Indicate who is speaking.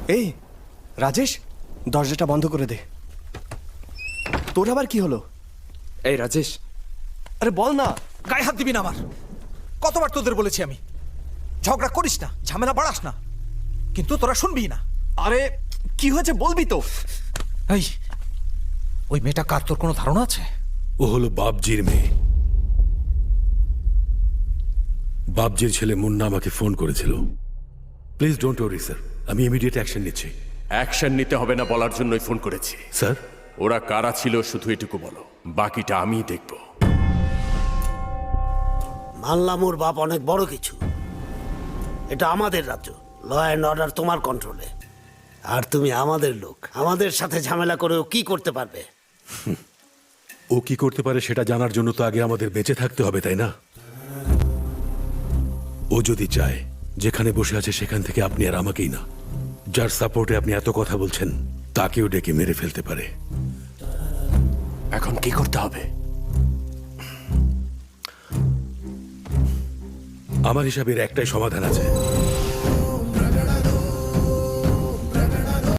Speaker 1: এই রাজেশ, দরজাটা বন্ধ করে দে। তোর আবার কি হলো?
Speaker 2: এই রাজেশ,
Speaker 1: আরে বল না।
Speaker 3: গায়ে হাত দিবি না আমার। কতবার তোদের বলেছি আমি ঝগড়া করিস না, ঝামেলা বাড়াস না, কিন্তু তোরা শুনবি না।
Speaker 1: আরে কি হয়েছে বলবি তো?
Speaker 3: এই ওই মেয়েটা কার, তোর কোনো ধারণা আছে?
Speaker 4: ও হলো বাবজির মেয়ে। বাবজির ছেলে মুন্না আমাকে ফোন করেছিল। প্লিজ ডোন্ট ওয়ারি স্যার, আমি ইমিডিয়েট অ্যাকশন নিচ্ছি।
Speaker 5: অ্যাকশন নিতে হবে না বলার জন্যই ফোন করেছি।
Speaker 4: স্যার,
Speaker 5: ওরা কারা ছিল শুধু এটুকু বলো, বাকিটা আমিই দেখব।
Speaker 6: মানলাম ওর বাপ অনেক বড় কিছু। এটা আমাদের রাজ্য, ল অ্যান্ড অর্ডার তোমার কন্ট্রোলে। আর তুমি আমাদের লোক, আমাদের সাথে ঝামেলা করেও কি করতে পারবে?
Speaker 4: ও কি করতে পারে সেটা জানার জন্য তো আগে আমাদের বেঁচে থাকতে হবে, তাই না? ও যদি চায় যেখানে বসে আছে সেখান থেকে আপনি আর আমাকেই না, যার সাপোর্টে আপনি এত কথা বলছেন তাকেও ডেকে মেরে ফেলতে পারে।
Speaker 5: এখন কি করতে হবে?
Speaker 4: আমার হিসাবে এর একটাই সমাধান আছে।